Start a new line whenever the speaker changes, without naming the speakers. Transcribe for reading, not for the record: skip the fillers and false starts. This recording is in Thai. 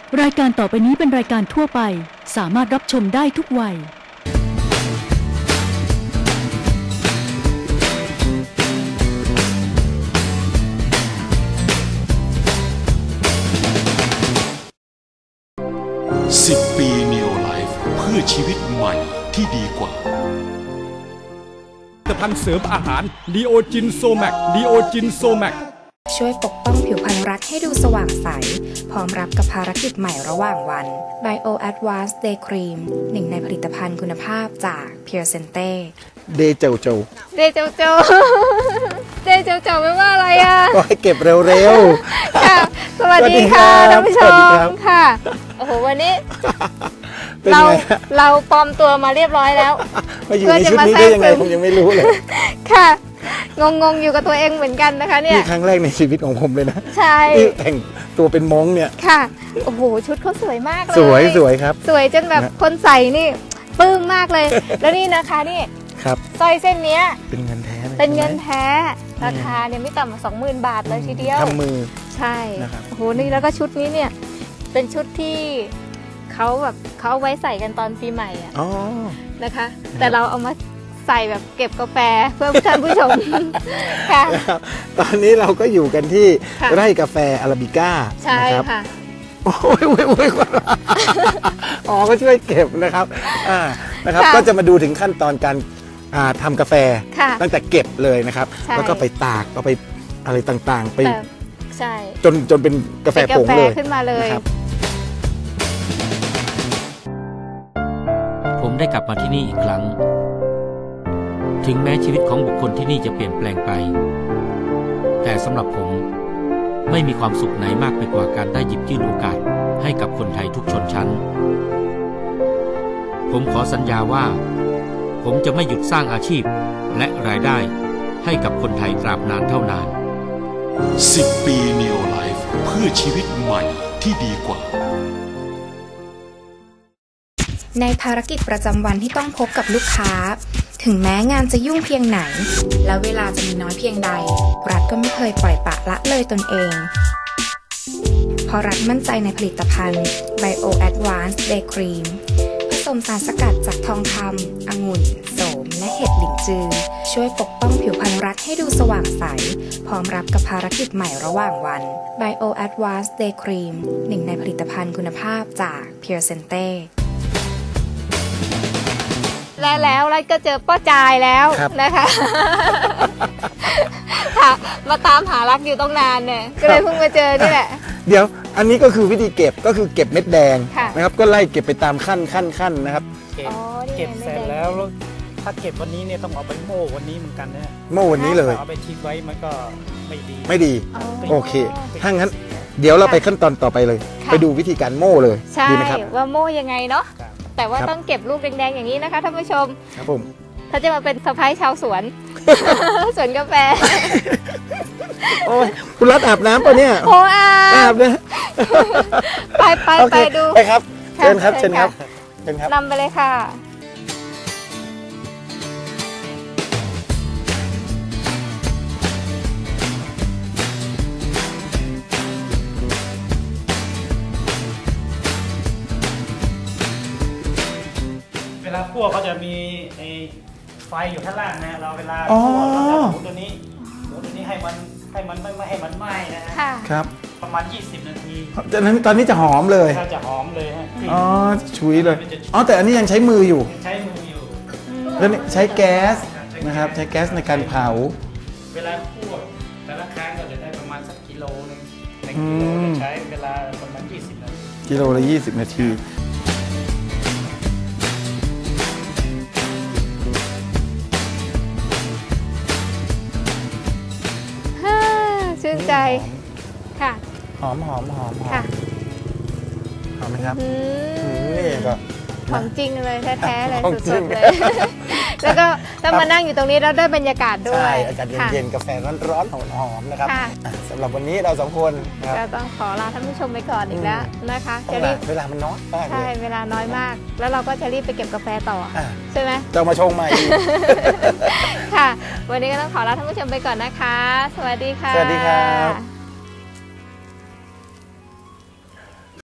รายการต่อไปนี้เป็นรายการทั่วไปสามารถรับชมได้ทุกวัย
10 ปี Neo Life เพื่อชีวิตใหม่ที่ดีกว่า
ผลิตภัณฑ์เสริมอาหารดีโอจินโซแมก
ช่วยปกป้องผิวพรรณรักให้ดูสว่างใสพร้อมรับกับภารกิจใหม่ระหว่างวัน Bio Advanced Day Cream หนึ่งในผลิตภัณฑ์คุณภาพจาก Pure Sente
เดเจ้าเจ้า
เดเจ้าเจ้าเดเจ้าเจ้าไม่ว่าอะไรอ่ะ
ก็ให้เก็บเร็วๆ
ค่ะสวัสดีค่ะท่านผู้ชมค่ะโอ้โหวันนี้เราปลอมตัวมาเรียบร้อยแล้ว
มาอยู่ในชุดนี้ได้ยังไงผมยังไม่รู้เลย
ค่ะงงอยู่กับตัวเองเหมือนกันนะคะเนี่ย
นี่ครั้งแรกในชีวิตของผมเลยนะ
ใช่
แต่งตัวเป็นม้งเนี่ย
ค่ะโอ้โหชุดเขาสวยมากเลย
สวยครับ
สวยจนแบบคนใส่นี่ปลื้มมากเลยแล้วนี่นะคะนี่
ครับ
สร้อยเส้นนี้
เป็นเงินแท้
เป็นเงินแท้ราคาเนี่ยไม่ต่ำกว่า 20,000 บาทเลยทีเดียว
ทำมือ
ใช่โอ้โหนี่แล้วก็ชุดนี้เนี่ยเป็นชุดที่เขาไว้ใส่กันตอนปีใหม่อ่ะนะคะแต่เราเอามาใส่แบบเก็บกาแฟเพื่อท่านผู้ชมค่ะ
ตอนนี้เราก็อยู่กันที่ไร่กาแฟอาราบิก้า
ใช่ค่ะ
โอ้ยอ๋อก็ช่วยเก็บนะครับนะครับก็จะมาดูถึงขั้นตอนการทำกาแฟตั้งแต่เก็บเลยนะครับแล้วก็ไปตากก็ไปอะไรต่างๆไป
ใช่
จนเป็นกาแฟผงเลย
ขึ้นมาเลย
ผมได้กลับมาที่นี่อีกครั้งถึงแม้ชีวิตของบุคคลที่นี่จะเปลี่ยนแปลงไปแต่สำหรับผมไม่มีความสุขไหนมากไปกว่าการได้หยิบยื่นโอกาสให้กับคนไทยทุกชนชั้นผมขอสัญญาว่าผมจะไม่หยุดสร้างอาชีพและรายได้ให้กับคนไทยตราบนานเท่านาน
10 ปี Neo Life เพื่อชีวิตใหม่ที่ดีกว่า
ในภารกิจประจำวันที่ต้องพบกับลูกค้าถึงแม้งานจะยุ่งเพียงไหนและเวลาจะมีน้อยเพียงใดรัฐก็ไม่เคยปล่อยปละละเลยตนเองเพราะรัฐมั่นใจในผลิตภัณฑ์ Bio Advanced Day Cream ผสมสารสกัดจากทองคำองุ่นโสมและเห็ดหลินจือช่วยปกป้องผิวพรรณรัฐให้ดูสว่างใสพร้อมรับกับภารกิจใหม่ระหว่างวัน Bio Advanced Day Cream หนึ่งในผลิตภัณฑ์คุณภาพจาก Pure Senteแล้วก็เจอป้าจายแล้วนะคะมาตามหารักอยู่ต้องนานเนี่ยก็เลยเพิ่งมาเจอนี่แหละ
เดี๋ยวอันนี้ก็คือวิธีเก็บก็คือเก็บเม็ดแดงนะครับก็ไล่เก็บไปตามขั้นนะครับ
เก็บเสร็จแล้วถ้าเก็บวันนี้เนี่ยต้องเอาไปโม่วันนี้เหมือนกันนะ
โม่วันนี้เลย
เอาไปทิ้งไว้มันก็
ไม่ดีโอเคถ้างั้นเดี๋ยวเราไปขั้นตอนต่อไปเลยไปดูวิธีการโม่เลย
ดีไหมครับว่าโม่ยังไงเนาะแต่ว่าต้องเก็บลูกแดงๆอย่างนี้นะคะท่านผู้ชม
ครับผม
ถ้าจะมาเป็นสะพ้ายชาวสวนสวนกาแฟ
โอ้ยคุณรัฐอาบน้ำป่ะเนี่ย
โอ้
อาบนะ
ไปดู
ไปครับเชิญครับ
นำไปเลยค่ะ
เวลาคั่วเขาจะมีไฟอยู่ข้างล่างนะเราเวลาคั่วเราจะหมุนตัวนี้ให้มันไม่ให้มันไหม้นะฮะ
ครับ
ประมาณ20 นาที
ตอนนี้จะหอมเลย
จะหอมเลยฮะ
ชุยเลยแต่อันนี้ยังใช้มืออยู่แล้วใช้แก๊สนะครับใช้แก๊สในการเผา
เวลาคั่วแต่ละครั้งก็จะได้ประมาณสักกิโลนึง1 กิโลใช้เวลาประมาณ20 นาที
กิโลละ20 นาที
ชื่นใจค่ะ
หอม
ค่ะ
หอมไหมครับนี่ก็
ของจริงเลยแท้ๆเลยสุดๆเลยแล้วก็ต้องมานั่งอยู่ตรงนี้แล้วได้บรรยากาศด้วย
อากาศเย็นๆกาแฟร้อนๆหอมๆนะครับสำหรับวันนี้เรา2 คน
ก็ต้องขอลาท่านผู้ชมไปก่อนอีกแล้วนะคะ
จะรีบเวลามันน้อยมาก
ใช่เวลาน้อยมากแล้วเราก็จะรีบไปเก็บกาแฟต่อใช่ไหม
จะมาชงใหม่
ค่ะวันนี้ก็ต้องขอลาท่านผู้ชมไปก่อนนะคะสวัสดีค่ะ
สวัสดีครับ